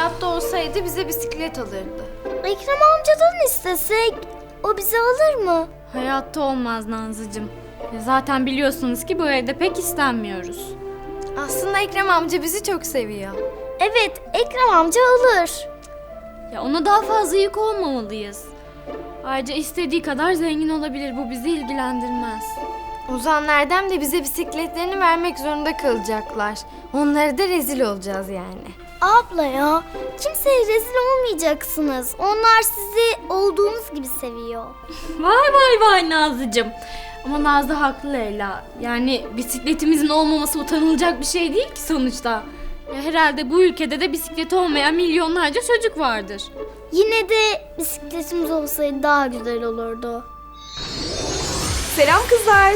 hayatta olsaydı bize bisiklet alırdı. Ekrem amcadan istesek o bizi alır mı? Hayatta olmaz Nazlıcığım. Zaten biliyorsunuz ki bu evde pek istenmiyoruz. Aslında Ekrem amca bizi çok seviyor. Evet, Ekrem amca alır. Ya ona daha fazla yük olmamalıyız. Ayrıca istediği kadar zengin olabilir. Bu bizi ilgilendirmez. Ozan Erdem de bize bisikletlerini vermek zorunda kalacaklar. Onlara da rezil olacağız yani. Abla ya, kimseye rezil olmayacaksınız. Onlar sizi olduğunuz gibi seviyor. Vay vay vay Nazlıcığım. Ama Nazlı haklı Leyla. Yani bisikletimizin olmaması utanılacak bir şey değil ki sonuçta. Ya herhalde bu ülkede de bisikleti olmayan milyonlarca çocuk vardır. Yine de bisikletimiz olsaydı daha güzel olurdu. Selam kızlar.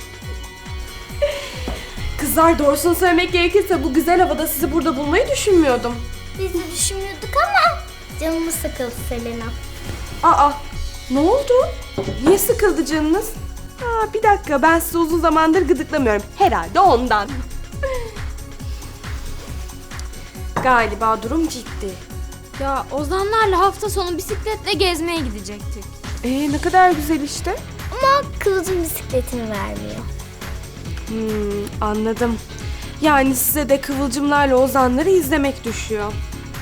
Kızlar, doğrusunu söylemek gerekirse bu güzel havada sizi burada bulmayı düşünmüyordum. Biz de düşünüyorduk ama canımız sıkıldı Selena. Aa, ne oldu? Niye sıkıldı canınız? Bir dakika, ben sizi uzun zamandır gıdıklamıyorum. Herhalde ondan. Galiba durum ciddi. Ya Ozanlarla hafta sonu bisikletle gezmeye gidecektik. Ne kadar güzel işte. Ama Kıvılcım bisikletini vermiyor. Anladım. Yani size de Kıvılcımlarla Ozanları izlemek düşüyor.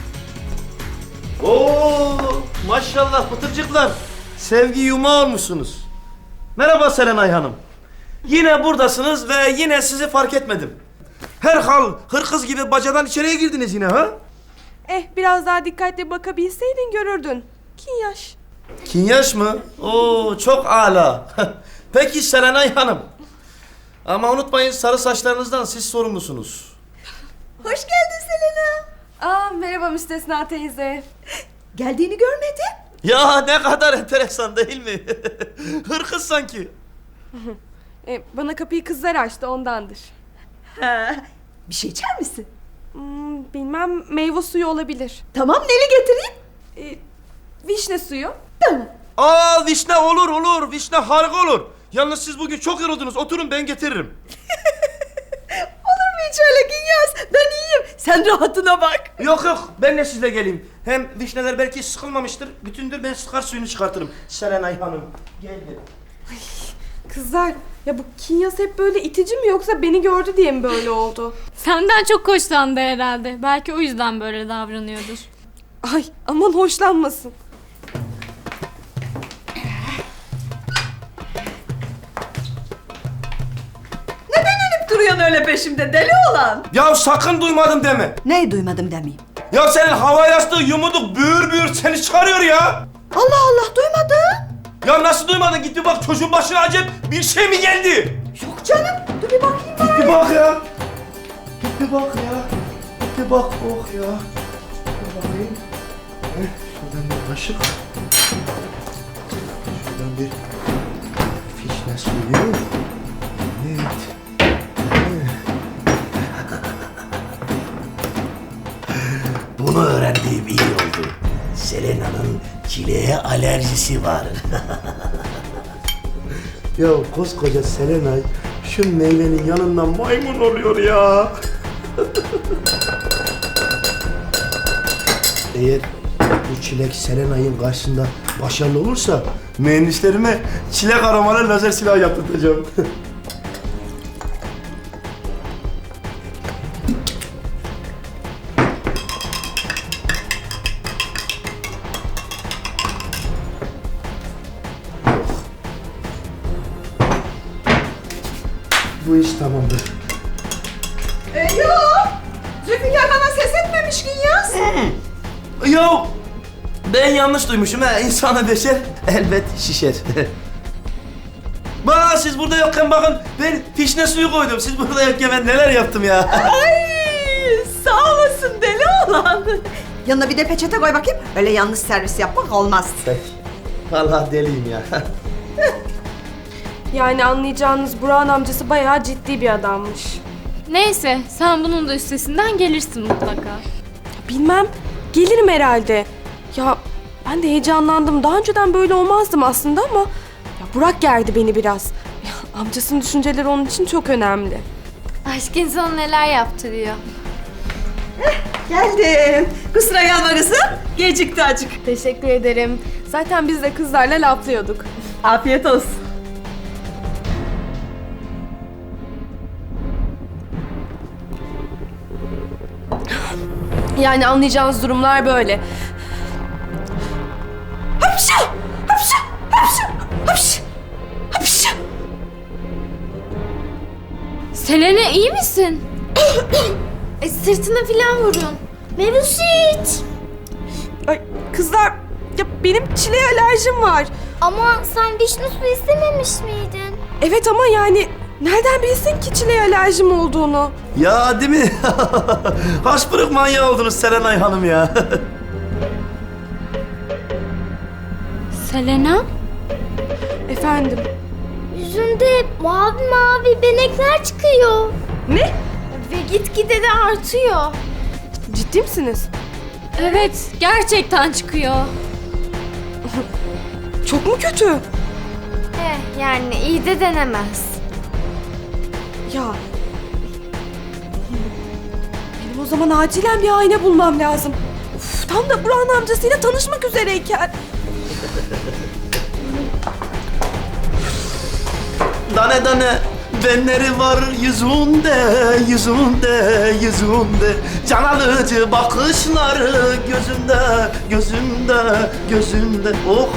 Oo, maşallah pıtırcıklar. Sevgi yumağı olmuşsunuz. Merhaba Serenay Hanım. Yine buradasınız ve yine sizi fark etmedim. Herhal hırkız gibi bacadan içeriye girdiniz yine ha? Biraz daha dikkatli bakabilseydin görürdün. Kinyaş. Kinyaş mı? Oo, çok âlâ. Peki Serenay Hanım. Ama unutmayın, sarı saçlarınızdan siz sorumlusunuz. Hoş geldin Selena. Merhaba Müstesna teyze. Geldiğini görmedim. Ya ne kadar enteresan değil mi? Hırkız sanki. Bana kapıyı kızlar açtı, ondandır. Ha, bir şey içer misin? Bilmem, meyve suyu olabilir. Tamam, neli getireyim? Vişne suyu. Tamam. Aa, vişne olur olur. Vişne harika olur. Yalnız siz bugün çok yoruldunuz. Oturun, ben getiririm. Olur mu hiç öyle Günyaz? Ben iyiyim. Sen rahatına bak. Yok yok, ben de sizle geleyim. Hem vişneler belki sıkılmamıştır. Bütündür, ben sıkar suyunu çıkartırım. Serenay Hanım, gel gel. Kızlar, ya bu Kinyas hep böyle itici mi, yoksa beni gördü diye mi böyle oldu? Senden çok hoşlandı herhalde. Belki o yüzden böyle davranıyordur. Ay, aman hoşlanmasın. Duruyorsun öyle peşimde deli olan. Ya sakın duymadım deme. Neyi duymadım demeyeyim. Ya senin hava yastığı yumuduk büyür büyür seni çıkarıyor ya. Allah Allah, duymadım. Ya nasıl duymadın? Git bir bak, çocuğun başına acayip bir şey mi geldi? Yok canım. Dur bir bakayım bana. Bir bak ya. Git bir bak ya. Git bir bak, oh ya. Bir bakayım. Şuradan bir kaşık. Şuradan bir fişne suyu. Evet. Bunu öğrendiğim iyi oldu. Selena'nın çileğe alerjisi var. Ya koskoca Selenay şu meyvenin yanından maymun oluyor ya. Eğer bu çilek Selenay'ın karşısında başarılı olursa mühendislerime çilek aromalı lazer silah yaptırtacağım. Bu iş tamamdır. Yok. Zülfikar bana ses etmemiş Günyaz. Ya ben yanlış duymuşum ha. İnsana beşer elbet şişer. Bana siz burada yokken bakın ben fişne suyu koydum. Siz burada yokken ben neler yaptım ya. Ay, sağ olasın deli olan. Yanına bir de peçete koy bakayım. Öyle yanlış servis yapmak olmaz. Vallahi deliyim ya. Yani anlayacağınız, Burak'ın amcası bayağı ciddi bir adammış. Neyse, sen bunun da üstesinden gelirsin mutlaka. Bilmem, gelirim herhalde. Ya ben de heyecanlandım. Daha önceden böyle olmazdım aslında ama ya Burak gerdi beni biraz. Ya, amcasının düşünceleri onun için çok önemli. Aşk insanı neler yaptırıyor. Geldim. Kusura kalma kızım. Gecikti acık. Teşekkür ederim. Zaten biz de kızlarla laflıyorduk. Afiyet olsun. Yani anlayacağınız durumlar böyle. Hapşu! Hapşu! Hapşu! Hapşu! Hapşu! Selena iyi misin? Sırtına falan vurun. Mevlüt. Ay kızlar, ya benim çileğe alerjim var. Ama sen vişne suyu istememiş miydin? Evet ama yani nereden bilsin ki çileğe alerjim olduğunu? Ya değil mi? Haşpırık manyağı oldunuz Serenay Hanım ya. Selena? Efendim? Yüzünde mavi mavi benekler çıkıyor. Ne? Ve gitgide de artıyor. Ciddi misiniz? Evet, gerçekten çıkıyor. Çok mu kötü? Yani iyi de denemez. Ya. Benim o zaman acilen bir ayna bulmam lazım. Uf, tam da Burhan amcasıyla tanışmak üzereyken. Dane dane benleri var yüzünde, yüzünde, yüzünde. Can alıcı bakışları gözünde, gözünde, gözünde. Oh!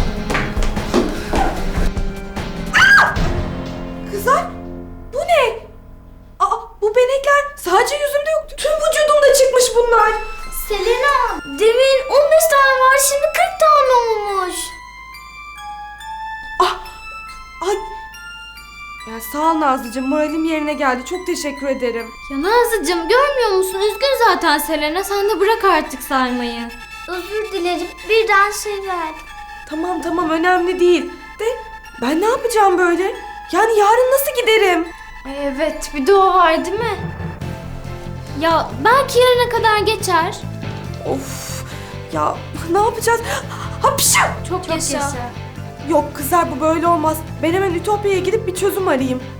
Kızlar, bu ne? Aa, bu benekler sadece yüzümde yok. Tüm vücudumda çıkmış bunlar. Selena, demin 15 tane var, şimdi 40 tane olmuş. Ay. Ya sağ ol Nazlıcığım, moralim yerine geldi. Çok teşekkür ederim. Ya Nazlıcığım görmüyor musun? Üzgün zaten Selena. Sen de bırak artık saymayı. Özür dilerim, birden şey verdim. Tamam tamam, önemli değil. De ben ne yapacağım böyle? Yani yarın nasıl giderim? Evet, bir de o var değil mi? Ya belki yarına kadar geçer. Of. Ya ne yapacağız? Hapşu! Çok yaşa. Yok kızlar, bu böyle olmaz. Ben hemen Ütopya'ya gidip bir çözüm arayayım.